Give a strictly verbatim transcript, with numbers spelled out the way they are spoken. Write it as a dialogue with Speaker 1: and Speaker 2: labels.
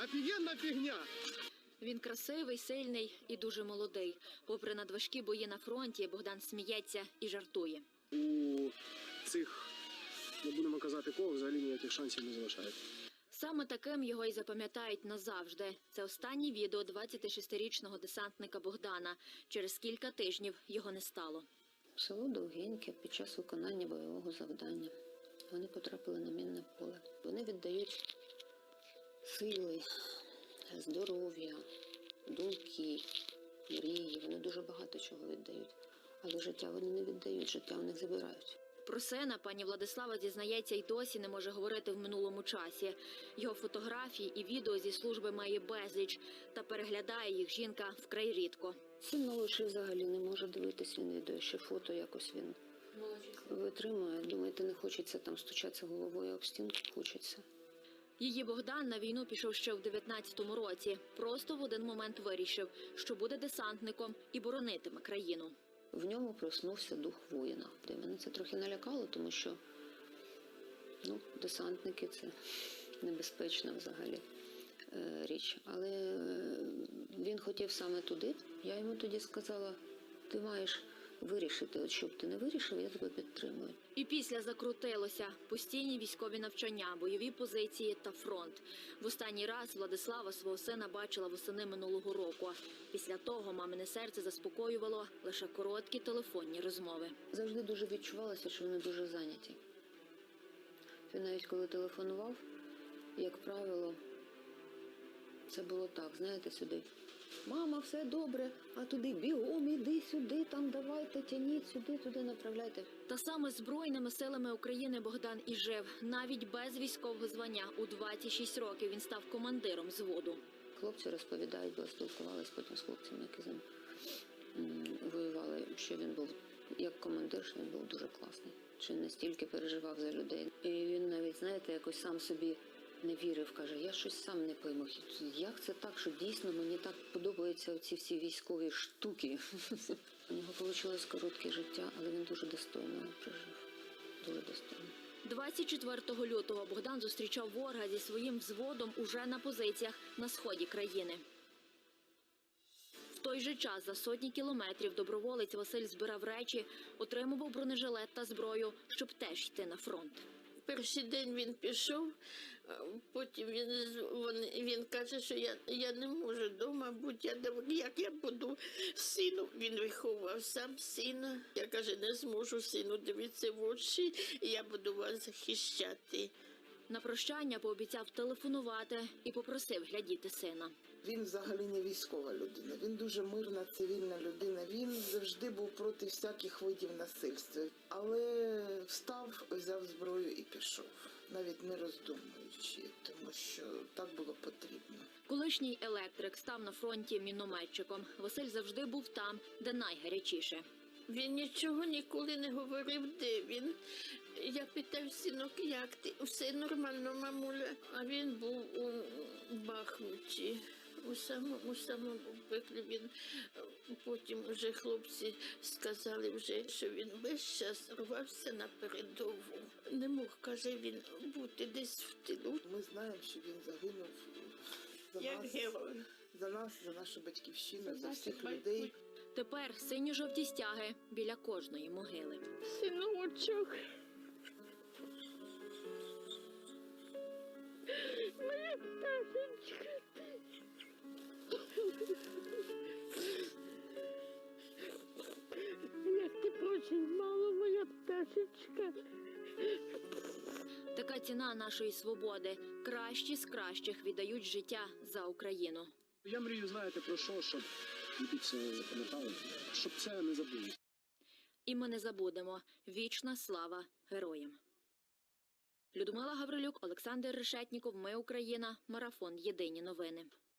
Speaker 1: офігенна фігня.
Speaker 2: Він красивий, сильний і дуже молодий. Попри надважкі бої на фронті, Богдан сміється і жартує.
Speaker 1: У цих, не будемо казати кого, взагалі ніяких шансів не залишається.
Speaker 2: Саме таким його і запам'ятають назавжди. Це останнє відео двадцятишестирічного десантника Богдана. Через кілька тижнів його не стало.
Speaker 3: Село Довгеньке під час виконання бойового завдання. Вони потрапили на мінне поле. Вони віддають сили, здоров'я, думки, мрії. Вони дуже багато чого віддають. Але життя вони не віддають, життя у них забирають.
Speaker 2: Про сина пані Владислава зізнається, й досі не може говорити в минулому часі. Його фотографії і відео зі служби має безліч, та переглядає їх жінка вкрай рідко.
Speaker 3: Син молодший взагалі не може дивитись, він відео, ще фото якось він витримує. Думаєте, не хочеться там стучатися головою об стінку? Хочеться.
Speaker 2: Її Богдан на війну пішов ще в дев'ятнадцятому році. Просто в один момент вирішив, що буде десантником і боронитиме країну.
Speaker 3: В ньому проснувся дух воїна. Де мене це трохи налякало, тому що ну, десантники – це небезпечна взагалі е, річ. Але е, він хотів саме туди. Я йому тоді сказала, ти маєш вирішити, от щоб ти не вирішив, я тебе підтримую.
Speaker 2: І після закрутилося. Постійні військові навчання, бойові позиції та фронт. В останній раз Владислава свого сина бачила восени минулого року. Після того мамине серце заспокоювало лише короткі телефонні розмови.
Speaker 3: Завжди дуже відчувалося, що вони дуже зайняті. Він навіть коли телефонував, як правило, це було так, знаєте, сюди. Мама, все добре, а туди бігом, іди сюди, там давайте, тяніть сюди, туди направляйте.
Speaker 2: Та саме Збройними силами України Богдан і жив. Навіть без військового звання у двадцять шість років він став командиром взводу.
Speaker 3: Хлопці розповідають, бо спілкувалися потім з хлопцями, які з ним воювали, що він був, як командир, що він був дуже класний. Що він настільки переживав за людей. І він навіть, знаєте, якось сам собі не вірив, каже, я щось сам не пойму. Як це так, що дійсно мені так подобаються ці всі військові штуки? У нього вийшло коротке життя, але він дуже достойно прожив. Дуже достойно.
Speaker 2: двадцять четвертого лютого Богдан зустрічав ворога зі своїм взводом уже на позиціях на сході країни. В той же час за сотні кілометрів доброволець Василь збирав речі, отримував бронежилет та зброю, щоб теж йти на фронт.
Speaker 4: Перший день він пішов, потім він, він, він каже, що я, я не можу вдома бути, я, як я буду сину, він виховував сам сина. Я, каже, не зможу сину дивитися в очі, і я буду вас захищати.
Speaker 2: На прощання пообіцяв телефонувати і попросив глядіти сина.
Speaker 5: Він взагалі не військова людина, він дуже мирна, цивільна людина. Він завжди був проти всяких видів насильства. Але встав, взяв зброю і пішов, навіть не роздумуючи, тому що так було потрібно.
Speaker 2: Колишній електрик став на фронті мінометчиком. Василь завжди був там, де найгарячіше.
Speaker 4: Він нічого ніколи не говорив, де він. Я питав, синок, як ти? Все нормально, мамуля. А він був у Бахмуті. У самому, самому пеклі він, потім вже хлопці сказали, вже, що він весь час рвався на передову. Не мог, каже він, бути десь в тилу.
Speaker 5: Ми знаємо, що він загинув за
Speaker 4: Як
Speaker 5: нас,
Speaker 4: герой.
Speaker 5: за нас, за нашу батьківщину, за,
Speaker 4: За
Speaker 5: всіх
Speaker 4: наших
Speaker 5: людей.
Speaker 2: Тепер синьо-жовті стяги біля кожної могили.
Speaker 4: Синочок. Моя пташечка. Як ти очень мало, моя пташечка.
Speaker 2: Така ціна нашої свободи. Кращі з кращих віддають життя за Україну.
Speaker 1: Я мрію, знаєте, про що, щоб люди це запам'ятали, щоб це не забули.
Speaker 2: І ми не забудемо. Вічна слава героям. Людмила Гаврилюк, Олександр Решетніков. Ми Україна. Марафон. Єдині новини.